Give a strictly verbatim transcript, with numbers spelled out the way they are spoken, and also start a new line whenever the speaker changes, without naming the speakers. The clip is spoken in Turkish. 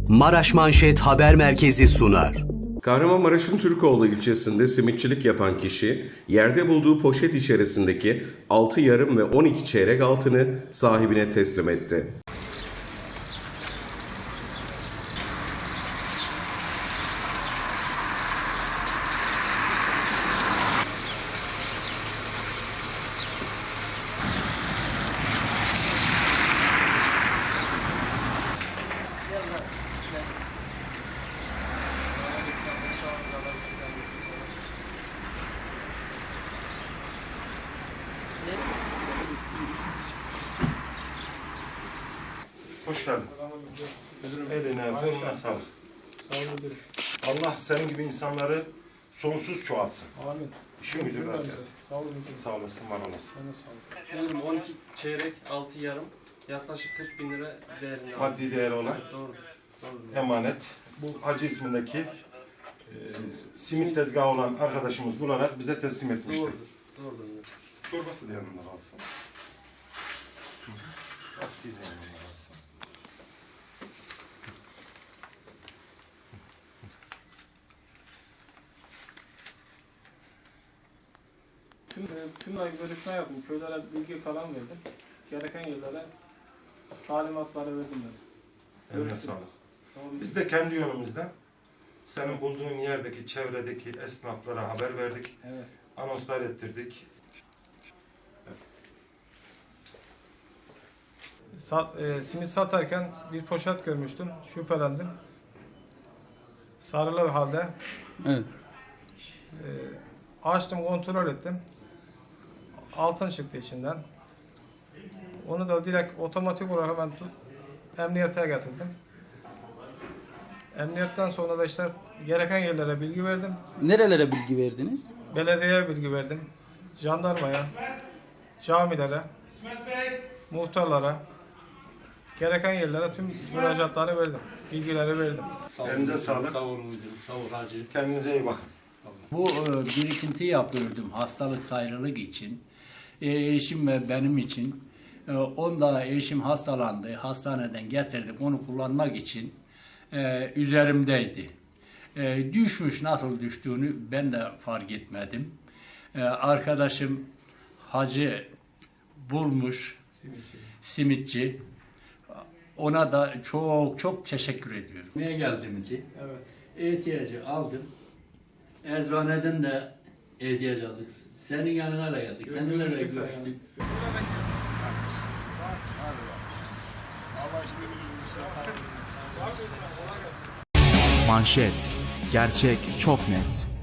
Maraş Manşet Haber Merkezi sunar.
Kahramanmaraş'ın Türkoğlu ilçesinde simitçilik yapan kişi, yerde bulduğu poşet içerisindeki altı yarım ve on iki çeyrek altını sahibine teslim etti.
Hoş geldin. Eline, koluna sağlık. Allah senin gibi insanları sonsuz çoğaltsın.
Amin.
İşin gücü rast gelsin.
Sağ olun.
Sağ olasın, var olasın.
Buyurun on iki çeyrek, altı yarım, yaklaşık kırk bin lira değerinde.
Maddi değeri olan
Doğrudur. Doğrudur.
emanet. Bu Hacı ismindeki e, simit tezgahı olan arkadaşımız bularak bize teslim etmişti.
Doğrudur. Doğrudur.
Torbası da yanında kalsın. Lastiği de yanında kalsın.
Tüm, tüm ay görüşme yaptım. Köylere bilgi falan verdim. Gereken yerlere talimatları verdim ben.
Eline
Görüştüm.
sağlık.
Tamam.
Biz de kendi yönümüzden senin bulduğun yerdeki, çevredeki esnaflara haber verdik.
Evet.
Anonslar ettirdik.
Sat, e, simit satarken bir poşet görmüştüm. Şüphelendim. Sarılı halde.
Evet.
E, açtım, kontrol ettim. Altın çıktı içinden. Onu da direkt otomatik olarak hemen tut, emniyete getirdim. Emniyetten sonra da işte gereken yerlere bilgi verdim.
Nerelere bilgi verdiniz?
Belediyeye bilgi verdim. Jandarmaya, camilere, muhtarlara, gereken yerlere tüm müracaatları verdim. Bilgileri verdim.
Elinize sağlık.
Sağ olun müdürüm, sağ ol hacı.
Kendinize iyi bakın.
Bu e, birikinti yapıyordum hastalık sayrılık için. E, eşim ve benim için. E, onda eşim hastalandı, hastaneden getirdik onu kullanmak için. E, üzerimdeydi. E, düşmüş, nasıl düştüğünü ben de fark etmedim. E, arkadaşım hacı bulmuş, simitçi. Ona da çok çok teşekkür ediyorum. Neye geldiğimizi,
Evet.
ihtiyacı aldım. Eczaneden de ihtiyaç aldık. Senin yanına da geldik. Seninle de
Görüştük de
görüştük.
Manşet. Gerçek çok net.